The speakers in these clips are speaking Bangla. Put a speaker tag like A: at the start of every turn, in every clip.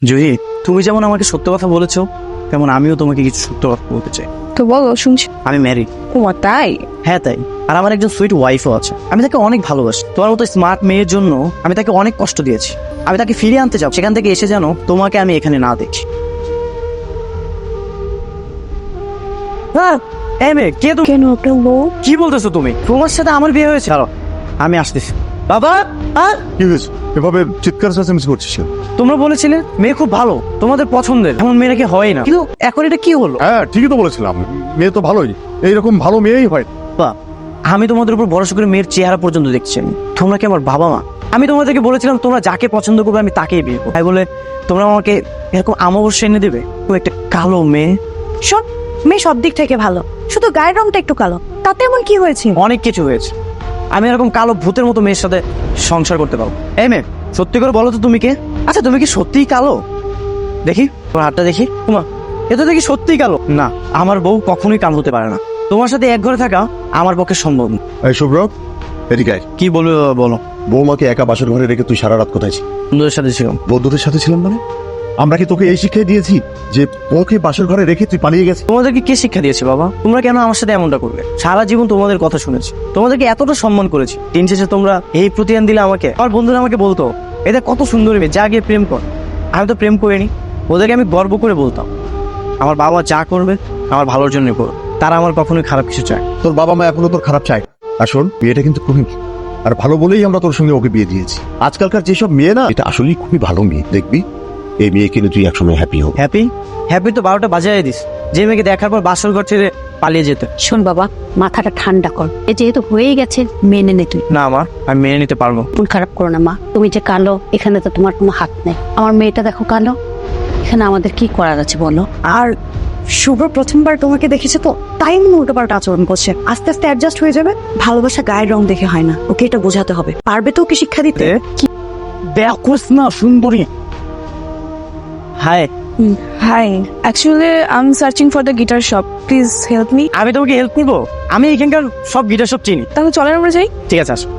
A: জুহি, তুমি যেমন আমাকে সত্য কথা বলেছো, তেমন আমিও তোমাকে কিছু সত্য কথা বলতে চাই।
B: তো বলো, শুনছি।
A: আমি ম্যারিড।
B: ও তাই?
A: হ্যাঁ তাই। আর আমার একজন সুইট ওয়াইফও আছে। আমি তাকে অনেক ভালোবাসি। তোমার মতো স্মার্ট মেয়ের জন্য আমি তাকে অনেক কষ্ট দিয়েছি। আমি তাকে ফিরিয়ে আনতে চাও, সেখান থেকে এসে যেন তোমাকে আমি এখানে না দেখি। হ্যাঁ, এই মেয়ে কে তুমি?
B: কেন আপনার বউ?
A: কি বলতেছো তুমি? তোমার সাথে আমার বিয়ে হয়েছে? দাঁড়াও, আমি আসতেছি। বাবা,
C: কি হয়েছে? এভাবে চিৎকার চেঁচামেচি করছিস কেন?
A: তোমরা বলেছিলে মেয়ে খুব ভালো, তোমাদের পছন্দের, এমন মেয়েরা কি হয় না? কিন্তু এখন এটা কি হলো?
C: হ্যাঁ, ঠিকই তো বলেছিলাম, মেয়ে তো ভালোই, এইরকম ভালো মেয়েই হয়।
A: বাবা, আমি তোমাদের উপর ভরসা করে মেয়ের চেহারা পর্যন্ত দেখছি। তোমরা কি আমার বাবা মা? আমি তোমাদেরকে বলেছিলাম তোমরা যাকে পছন্দ করবে আমি তাকেই বিয়ে করবো, তাই বলে তোমরা আমাকে এরকম আমাবস্যা এনে দেবে? ও একটা কালো মেয়ে।
B: সব মেয়ে সব দিক থেকে ভালো, শুধু গায়ের রংটা একটু কালো, তাতে এমন কি হয়েছে?
A: অনেক কিছু হয়েছে। আমি এরকম কালো ভূতের মতো মেয়ের সাথে সংসার করতে পারবো? এই মেয়ে, সত্যি করে বলো তো তুমি কে? আচ্ছা, তুমি কি সত্যিই কালো? দেখি তোমার হাতটা দেখি। তোমার এ তো দেখি সত্যিই কালো। না, আমার বউ কখনোই কালো হতে পারে না। তোমার সাথে এক ঘরে থাকা আমার পক্ষে সম্ভব না।
C: এই শুভ্র, এদিকে আয়।
A: কি বলবে বাবা, বলো।
C: বৌমাকে একা বাসর ঘরে রেখে তুই সারা রাত কোথায় ছিলি?
A: বন্ধুদের সাথে ছিলাম।
C: বন্ধুদের সাথে ছিলাম মানে? আমরা কি তোকে এই শিক্ষাই দিয়েছি যে ওকে বাসর ঘরে রেখে তুই পালিয়ে গেছিস?
A: তোমাদেরকে কে শিক্ষা দিয়েছে বাবা? তোমরা কেন আমার সাথে এমনটা করবে? সারা জীবন তোমাদের কথা শুনেছি, তোমাদেরকে এতটা সম্মান করেছি, দিন শেষে তোমরা এই প্রতিদান দিলে আমাকে। আমার বন্ধুরা আমাকে বলতো এটা কত সুন্দর মেয়ে, যা গিয়ে প্রেম কর। আমি তো প্রেম করিনি। ওদেরকে আমি গর্ব করে বলতাম আমার বাবা যা করবে আমার ভালোর জন্য করবে, তারা আমার কখনোই খারাপ কিছু চায়।
C: তোর বাবা মা এখনো তোর খারাপ চায়? আর শোন, বিয়েটা কিন্তু খুবই আর ভালো বলেই আমরা তোর সঙ্গে ওকে বিয়ে দিয়েছি। আজকালকার যেসব মেয়ে না, এটা আসলেই খুবই ভালো মেয়ে। দেখবি এই মেয়ে কিন্তু তুই একসময় হ্যাপি হবি।
A: হ্যাপি হ্যাপি তো 12টা বাজায় দিস, যে মেয়েকে দেখার পর বাসর ঘর ছেড়ে পালিয়ে যেতে।
D: শোন বাবা, মাথাটা ঠান্ডা কর। এ যেহেতু হয়ে গেছে, মেনে নে তুই।
A: না মা, আমি মেনে নিতে পারবো।
D: মন খারাপ করো না মা, তুমি যে কালো এখানে তো তোমার কোনো হাত নেই। আমার মেয়েটা দেখো কালো, এখানে আমাদের কি করার আছে বলো?
B: আর শুভ্র প্রথমবার তোমাকে দেখেছে তো, তাই মনে উল্টোপাল্টা আচরণ করছে। আস্তে আস্তে অ্যাডজাস্ট হয়ে যাবে। ভালোবাসা গায়ের রং দেখে হয় না, ওকে এটা বোঝাতে হবে। পারবে তো ওকে শিক্ষা দিতে?
A: দেখোস না সুন্দরী। Hi,
B: hi, actually I am searching for the guitar shop, please help me.
A: আমি তোমাকে হেল্প করবো? আমি এখানকার সব গিটার সব চিনি।
B: তাহলে চলেন আমরা যাই।
A: ঠিক আছে, আসো।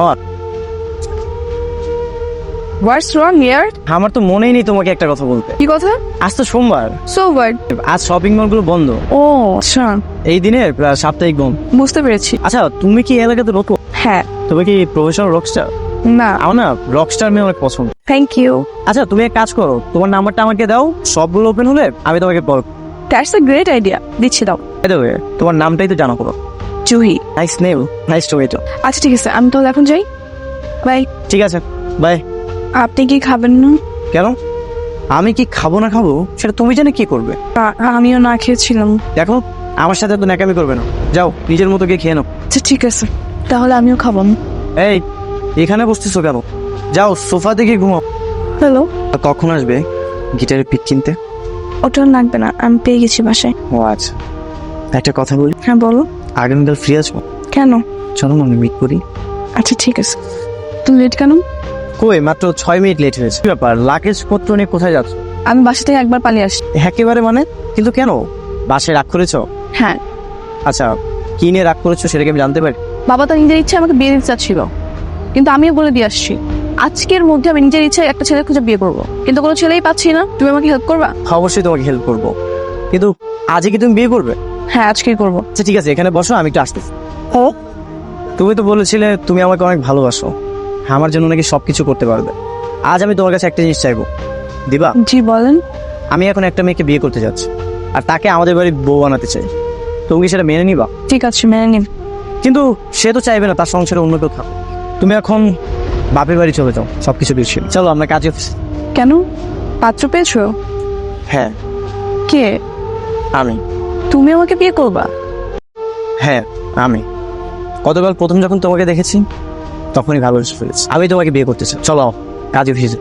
B: What's wrong here?
A: আমার তো মনেই নেই তোমাকে একটা কথা বলতে।
B: কি কথা?
A: আজ তো সোমবার,
B: সো হোয়াট?
A: আজ শপিং মল গুলো বন্ধ।
B: ও আচ্ছা,
A: এই দিনে সাপ্তাহিক বন্ধ।
B: বুঝতে পেরেছি।
A: আচ্ছা, তুমি কি এই এলাকাতে নতুন?
B: হ্যাঁ।
A: তুমি কি প্রফেশনাল রকস্টার?
B: না।
A: আমার না রকস্টার মেয়ে অনেক পছন্দ।
B: Thank you.
A: আচ্ছা, তুমি এক কাজ করো, তোমার নাম্বারটা আমাকে দাও, সবগুলো ওপেন হলে আমি তোমাকে call.
B: That's a great idea, দিচ্ছি দাও।
A: দেবে, তোমার নামটাই তো জানা করো।
B: Juhi.
A: Nice name, nice to meet you.
B: আচ্ছা ঠিক আছে, আমি তাহলে এখন যাই। বাই।
A: ঠিক আছে, বাই।
B: আপনি কি খাবেন না?
A: কেন? আমি কি খাবো না খাবো সেটা তুমি জানে কি করবে?
B: আমিও না খেয়েছিলাম।
A: দেখো, আমার সাথে তো ন্যাকামি করবে না। যাও, নিজের মতো গিয়ে খেয়ে নাও।
B: আচ্ছা ঠিক আছে, তাহলে আমিও খাবো না।
A: এই, এখানে বসতেছো কেন? যাও সোফাতে গিয়ে ঘুমাও।
B: হ্যালো।
A: আর কখন আসবে গিটারের পিক কিনতে?
B: ওটা লাগবে না, আমি পেয়ে গেছি বাসায়।
A: ও আচ্ছা, একটা কথা বলি।
B: হ্যাঁ বলো।
A: আগামীকাল ফ্রি আছো?
B: কেন?
A: চলো না মিট করি।
B: আচ্ছা ঠিক আছে। তুমি লেট কেন?
A: কই, মাত্র 6 মিনিট লেট হয়েছে। কি ব্যাপার, লাগেজ পত্র নিয়ে কোথায় যাচ্ছ?
B: আমি বাসা থেকে একবার পালিয়ে আসি।
A: একেবারে মানে? কিন্তু কেন, বাসায় রাগ করেছো?
B: হ্যাঁ।
A: আচ্ছা, কি নিয়ে রাগ করেছো সেটা কি আমি জানতে পারি?
B: বাবা তো নিজের ইচ্ছে আমাকে বিয়ে দিতে চাচ্ছিল, কিন্তু আমিও বলে দিয়ে আসছি আজকের মধ্যে আমি নিজের ইচ্ছে একটা ছেলে খুঁজে বিয়ে করবো, কিন্তু কোনো ছেলেই পাচ্ছি না। তুমি আমাকে হেল্প করবা?
A: অবশ্যই তোমাকে হেল্প করবো, কিন্তু আজকে কি তুমি বিয়ে করবে?
B: হ্যাঁ, আজকেই করবো।
A: আচ্ছা ঠিক আছে, এখানে বসো, আমি একটু আসতেছি।
B: ও,
A: তুমি তো বলেছিলে তুমি আমাকে অনেক ভালোবাসো, আমার জন্য নাকি সবকিছু করতে পারবে। আজ আমি তোমার কাছে একটা জিনিস চাইবো, দিবা?
B: জি বলেন।
A: আমি এখন একটা মেয়েকে বিয়ে করতে যাচ্ছি, আর তাকে আমাদের বাড়ির বউ বানাতে চাই। তুমি কি সেটা মেনে নিবা?
B: ঠিক আছে, মেনে নিন।
A: কিন্তু সে তো চাইবে না তার সংসারে অন্য কেউ থাকো। তুমি এখন বাপের বাড়ি চলে যাও, সবকিছু দিচ্ছি। চলো আমরা কাজে অফিসে।
B: কেন? পাত্র পেয়েছো?
A: হ্যাঁ,
B: কে?
A: আমি।
B: তুমি আমাকে বিয়ে করবা?
A: হ্যাঁ, আমি গতকাল প্রথম যখন তোমাকে দেখেছি তখনই ভালোবেসে ফেলেছি। আমি তোমাকে বিয়ে করতে চাই। চলো কাজে অফিসে।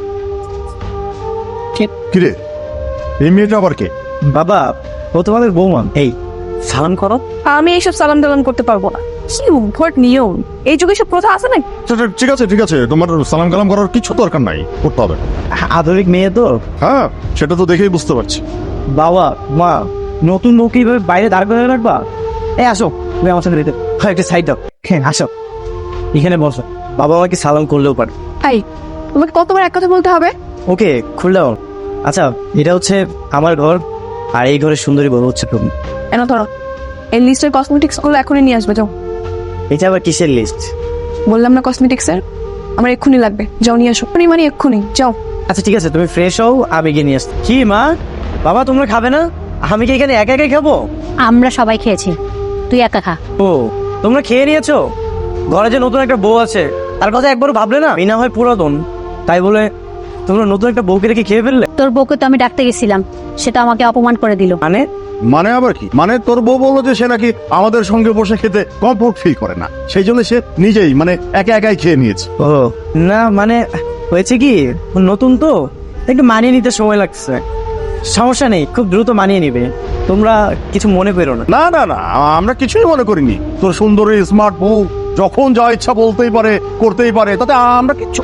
C: কিরে, এই মেয়েটা আবার কে?
A: বাবা, ও তোমাদের বৌমা। এই, সালাম করো।
B: আমি এইসব সালাম টালাম করতে পারবো না। কি উদ্ভট নিয়ম, এই যুগে সব প্রথা আছে না?
C: ঠিক আছে ঠিক আছে, তোমার সালাম কালাম করার কিছু দরকার নাই, করতে হবে না।
A: আধুনিক মেয়ে তো।
C: হ্যাঁ, সেটা তো দেখেই বুঝতে পারছি।
A: বাবা মা, নতুন বউকে এইভাবে বাইরে দাঁড় করে রাখবা? এই আসো, তুমি আমার সাথে রেতে একটা সাইড দাও। হ্যাঁ আসো, এখানে বসো। বাবা আমাকে সালাম করলেও পারে।
B: এই, তোমাকে কতবার এক কথা বলতে হবে?
A: ওকে খুলে দাও। আচ্ছা, এটা হচ্ছে আমার ঘর, আর এই ঘরের সুন্দরী বউ হচ্ছে তুমি।
E: এনো ধরো, এই লিস্টের কসমেটিক্স গুলো এখনই নিয়ে আসবে, যাও।
A: এটা আবার কিসের লিস্ট?
E: বললাম না কসমেটিক্সের, আমার এক্ষুনি লাগবে, যাও নিয়ে আসো। মানে এক্ষুনি যাও।
A: আচ্ছা ঠিক আছে, তুমি ফ্রেশ হও, আমি গিয়ে নিয়ে আসছি। কি মা, বাবা তোমরা খাবে না? আমি কি এখানে একা একাই খাবো?
D: আমরা সবাই খেয়েছি, তুই একা খা।
A: ও, তোমরা খেয়ে নিয়েছো? ঘরে যে নতুন একটা বউ আছে তার কথা একবারও ভাবলে না? এই না হয় পুরাতন, তাই বলে তোমরা নতুন একটা বউকে রেখে খেয়ে ফেললে?
D: তোর বউকে তো আমি ডাকতে গেছিলাম, সেটা আমাকে অপমান করে দিল।
A: মানে
C: মানে আবার কি? মানে তোর বউ বললো যে সে নাকি আমাদের সঙ্গে বসে খেতে কমফোর্ট ফিল করে না, সেই জন্য সে নিজেই মানে একা একাই খেয়ে নিয়েছে।
A: ও না, মানে হয়েছে কি, নতুন তো একটু মানিয়ে নিতে সময় লাগছে। সমস্যা নেই, খুব দ্রুত মানিয়ে নিবে, তোমরা কিছু মনে করো না।
C: না না না, আমরা কিছুই মনে করিনি। তোর সুন্দরী স্মার্ট বউ যখন যা ইচ্ছা বলতেই পারে, করতেই পারে, তাতে আমরা কিচ্ছু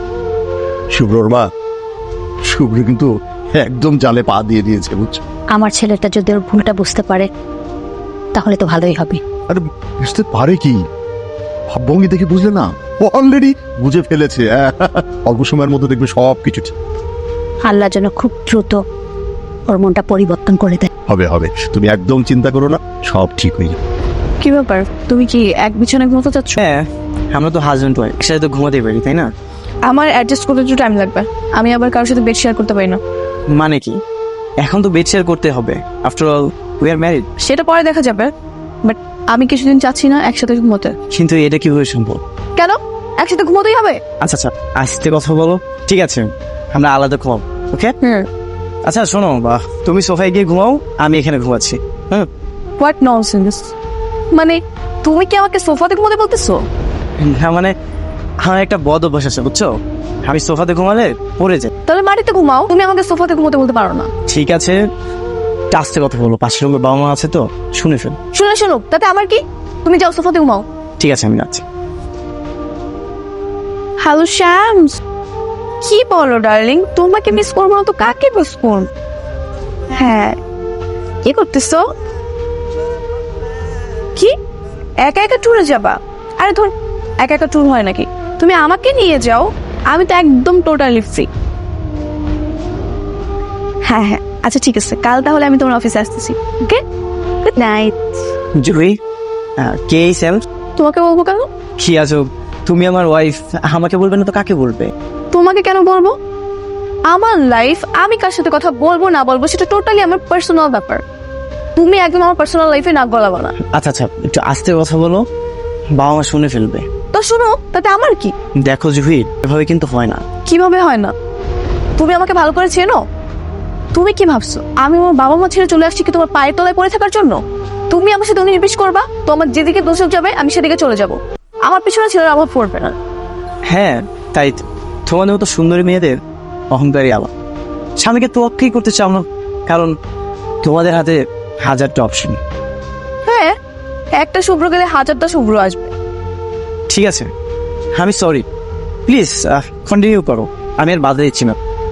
C: শুভ্রর মা, শুভ্র কিন্তু একদম জালে পা দিয়ে দিয়েছে, বুঝছো?
D: আমার ছেলেটা যদি ওর ভুলটা বুঝতে পারে তাহলে তো ভালোই হবে।
C: আরে বুঝতে পারে কি? ভাবভঙ্গি দেখে বুঝলে না, অলরেডি বুঝে ফেলেছে। অল্প সময়ের মধ্যে দেখবে সব কিছু ঠিক
D: আল্লাহ যেন খুব দ্রুত ওর মনটা পরিবর্তন করে দেয়।
C: হবে হবে, তুমি একদম চিন্তা করো না, সব ঠিক হয়ে যাবে।
E: কি ব্যাপার, তুমি কি এক বিছানায় ঘুমোতে চাচ্ছ?
A: হ্যাঁ, আমরা তো হাজব্যান্ড ওয়াইফ, একসাথে তো ঘুমাতেই পারি, তাই না?
E: আমার অ্যাডজাস্ট করতে একটু টাইম লাগবে, আমি আবার কারোর সাথে বেড শেয়ার করতে পারি না।
A: মানে কি, এখন তো বেড শেয়ার করতে হবে, after all we are married.
E: সেটা পরে দেখা যাবে, বাট আমি কিছুদিন চাচ্ছি না একসাথে ঘুমোতে।
A: কিন্তু এটা কিভাবে সম্ভব?
E: কেন, একসাথে ঘুমোতেই হবে।
A: আচ্ছা আচ্ছা, আস্তে কথা বলো। ঠিক আছে, আমরা আলাদা ঘুমাবো, ওকে? আচ্ছা শোনো, বা তুমি সোফায় গিয়ে ঘুমাও, আমি এখানে ঘুমাচ্ছি। হুম।
E: হোয়াট ননসেন্স, মানে তুমি কি আমাকে সোফাতে ঘুমোতে বলতেছো?
A: হ্যাঁ মানে আমার একটা বদ অভ্যাস আছে, বুঝছো? আমি সোফাতে ঘুমালে পড়ে যাই।
E: তাহলে মাটিতে ঘুমাও, তুমি আমাকে সোফাতে ঘুমোতে বলতে পারো না।
A: ঠিক আছে, আস্তে কথা বলো, পাশের রুমে বাবা মা আছে তো, শুনে ফেল।
E: শুনুক, তাতে আমার কি? তুমি যাও সোফাতে ঘুমাও।
A: ঠিক আছে, আমি যাচ্ছি।
E: হ্যালো শ্যামস, কি বলো ডার্লিং, তোমাকে মিস করবো না তো কাকে মিস করব? হ্যাঁ, কি করতেছো? কি একা একা ট্যুরে যাবা? আরে ধর, একা একা ট্যুর হয় নাকি? তুমি আমাকে নিয়ে যাও, আমি তো একদম টোটালি ফ্রি। হ্যাঁ হ্যাঁ, আচ্ছা ঠিক আছে, কাল তাহলে আমি তোমার অফিসে আসতেছি। Okay, good night.
A: জুহি, কে এই স্যাম?
E: তোমাকে বলবো কেন?
A: কি আছো, তুমি আমার ওয়াইফ, আমাকে বলবে না তো কাকে বলবে?
E: তোমাকে কেন বলবো? আমার লাইফ, আমি কার সাথে কথা বলবো না বলবো সেটা টোটালি আমার পার্সোনাল ব্যাপার। তুমি একদম আমার পার্সোনাল লাইফে নাক গলাবো না।
A: আচ্ছা আচ্ছা, একটু আস্তে কথা বলো, বাবা মা শুনে ফেলবে।
E: তো শুনো, তাতে আমার কি?
A: দেখো জুহি, এভাবে কিন্তু হয় না।
E: কিভাবে হয় না? তুমি আমাকে ভালো করে চেনো? তুমি কি ভাবছো আমি আমার বাবা মা ছেড়ে চলে আসছি কি তোমার পায়ের তলায় পড়ে থাকার জন্য? তুমি আমার সাথে নির্বিষ করবা তো আমার যেদিকে দোষক যাবে আমি সেদিকে চলে যাব। আমার পিছনে ছেলের অভাব পড়বে না।
A: হ্যাঁ তাই তো, তোমাদের মতো সুন্দরী মেয়েদের অহংকারী আবার স্বামীকে তোয়াক্কাই করতে চাও না, কারণ তোমাদের হাতে হাজারটা অপশন।
E: হ্যাঁ, একটা শুভ্র গেলে হাজারটা শুভ্র আসবে।
A: ঠিক আছে, আমি সরি, প্লিজ কন্টিনিউ করো, আমি আর বাধা দিচ্ছি না।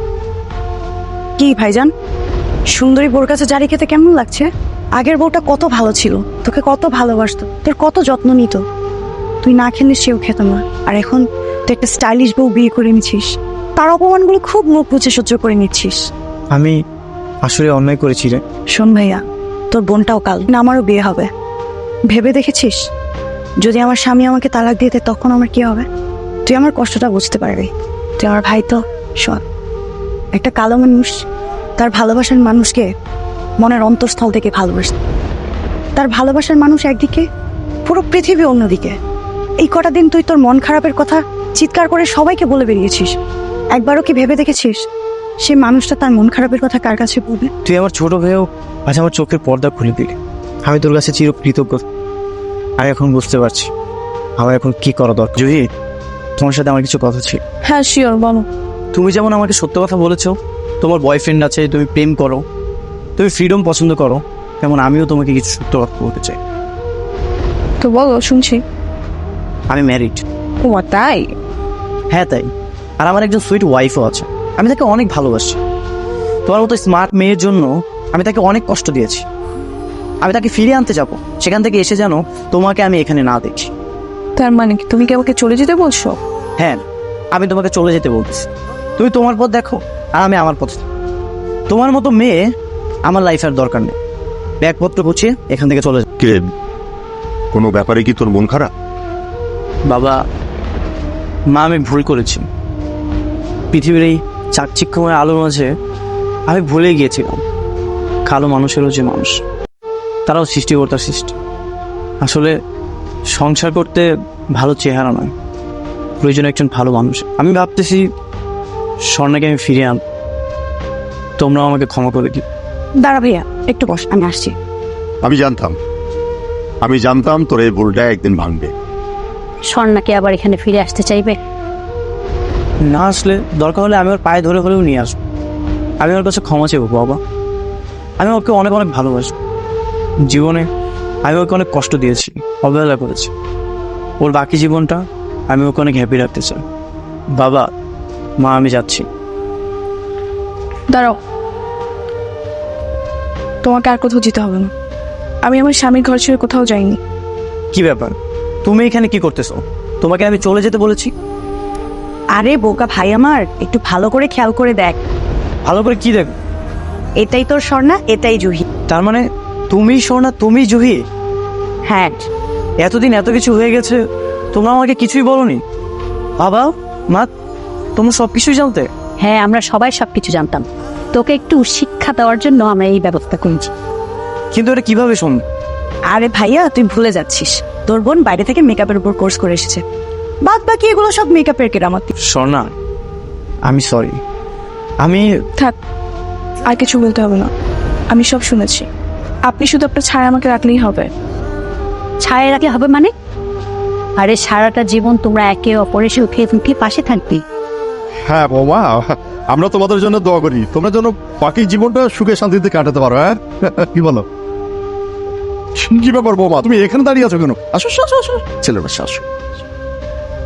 B: কি ভাইজান, সুন্দরী বোর কাছে জারি খেতে কেমন লাগছে? আগের বউটা কত ভালো ছিল, তোকে কত ভালোবাসতো, তোর কত যত্ন নিত, তুই না খেলে সেও খেত না। আর এখন তুই একটা স্টাইলিশ বউ বিয়ে করে নিচ্ছিস, তার অপমানগুলো খুব মুখ বুঝে সহ্য করে নিচ্ছিস।
A: আমি আসলে অন্যায় করেছি রে।
B: শোন ভাইয়া, তোর বোনটাও কাল না আমারও বিয়ে হবে, ভেবে দেখেছিস যদি আমার স্বামী আমাকে তালাক দিয়ে দেয় তখন আমার কি হবে? তুই আমার কষ্টটা বুঝতে পারবি, তুই আমার ভাই তো। শোন, একটা কালো মানুষ তার ভালোবাসার মানুষকে মনের অন্তঃস্থল থেকে ভালোবাসে, তার ভালোবাসার মানুষ একদিকে, পুরো পৃথিবী অন্যদিকে। এই কটা দিন তুই তোর মন খারাপের কথা চিৎকার করে সবাইকে বলে বেরিয়েছিস, একবারও কি ভেবে দেখেছিস সে মানুষটা তার মন খারাপের কথা কার কাছে বলবে?
A: তুই আমার ছোট হয়েও আজ আমার চোখের পর্দা খুলে দিলি, আমি তোর কাছে চিরকৃতজ্ঞ। আমি এখন বুঝতে পারছি আমার এখন কি করা দরকার। জুহি, তোমার সাথে আমার কিছু কথা ছিল।
E: হ্যাঁ শিওর, বলো।
A: তুমি যেমন আমাকে সত্য কথা বলেছো, তোমার বয়ফ্রেন্ড আছে, তুমি প্রেম করো, তুমি ফ্রিডম পছন্দ করো, তেমন আমিও তোমাকে কিছু সত্য কথা বলতে চাই।
E: তো বলো, শুনছি।
A: আমি ম্যারিড।
E: ও তাই?
A: হ্যাঁ তাই, আর আমার একজন সুইট ওয়াইফও আছে, আমি তাকে অনেক ভালোবাসি। তোমার মতো স্মার্ট মেয়ের জন্য আমি তাকে অনেক কষ্ট দিয়েছি, আমি তাকে ফিরিয়ে আনতে যাব, সেখান থেকে এসে যেন তোমাকে আমি এখানে না দেখি।
E: তার মানে কি তুমি কি আমাকে চলে যেতে বলছো?
A: হ্যাঁ, আমি তোমাকে চলে যেতে বলতেছি, তুমি তোমার পথ দেখো, আর আমি আমার পথে। তোমার মতো মেয়ে আমার লাইফের দরকার নেই। ব্যাগপত্র গুছিয়ে এখান থেকে চলে যা।
C: কে, কোনো ব্যাপারে কি তোর মন খারাপ?
A: বাবা মা, আমি ভুল করেছি। পৃথিবীর এই চাকচিক্যময় আলোর মাঝে আমি ভুলে গিয়েছিলাম কালো মানুষেরও যে মানুষ, তারাও সৃষ্টিকর্তার সৃষ্টি। আসলে সংসার করতে ভালো চেহারা নয়, প্রয়োজন একজন ভালো মানুষ। আমি ভাবতেছি স্বর্ণাকে আমি ফিরিয়ে আন, তোমরাও আমাকে ক্ষমা করে দিও।
B: দাঁড়া ভাইয়া, একটু বস, আমি আসছি।
C: আমি জানতাম তোর এই ভুলটা একদিন ভাঙবে।
D: স্বর্ণাকে আবার এখানে ফিরে আসতে চাইবে?
A: না আসলে দরকার হলে আমি ওর পায়ে ধরে হলেও নিয়ে আসবো। আমি ওর কাছে ক্ষমা চাইবো বাবা। আমি ওকে অনেক অনেক ভালোবাসি। জীবনে আমি ওকে অনেক কষ্ট দিয়েছি, অবহেলা করেছি। ওর বাকি জীবনটা আমি ওকে অনেক হ্যাপি রাখতে চাই। বাবা মা, আমি যাচ্ছি।
E: দাঁড়াও, তোমাকে আর কোথাও যেতে হবে না। আমি আমার স্বামীর ঘর ছেড়ে কোথাও যাইনি।
A: কি ব্যাপার, তুমি এখানে কি করতেছো? তোমাকে আমি চলে যেতে বলেছি।
B: আরে বোকা ভাই আমার, একটু ভালো করে খেয়াল করে দেখ।
A: ভালো করে কি দেখ?
B: এটাই তোর স্বর্ণা, এটাই জুহি।
A: তার মানে তুমি সোনা, তুমি জুহি?
B: হ্যাঁ,
A: এতদিন এত কিছু হয়ে গেছে, তোমরা আমাকে কিছুই বলোনি। বাবা মা, তোমরা সব কিছুই জানতে?
D: হ্যাঁ, আমরা সবাই সবকিছু জানতাম। তোকে একটু শিক্ষা দেওয়ার জন্য আমরা এই ব্যবস্থা করেছি।
A: কিন্তু এটা কিভাবে শুনবে?
B: আরে ভাইয়া তুই ভুলে যাচ্ছিস, তোর বোন বাইরে থেকে মেকআপের উপর কোর্স করে এসেছে। বাদ বাকি এগুলো সব মেকআপের কেরামতি।
A: স্বর্ণা, আমি সরি। আমি
E: থাক, আর কিছু বলতে হবে না, আমি সব শুনেছি। আপনি শুধু আপনার ছায়া আমাকে রাখলেই হবে।
D: ছায়া রাখলে হবে মানে? আরে সারাটা জীবন তোমরা একে অপরের সুখে মুখে পাশে থাকবে।
C: হ্যাঁ বৌমা, আমরা তোমাদের জন্য দোয়া করি, তোমরা যেন বাকি জীবনটা সুখে শান্তিতে কাটাতে পারো। হ্যাঁ কি বলো? কি ব্যাপার বৌমা, তুমি এখানে দাঁড়িয়ে আছো কেন? আসো আসো আসো, ছেলের বাসা আসো।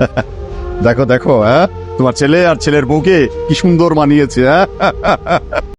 C: দেখো দেখো, হ্যাঁ তোমার ছেলে আর ছেলের বউকে কি সুন্দর মানিয়েছে। হ্যাঁ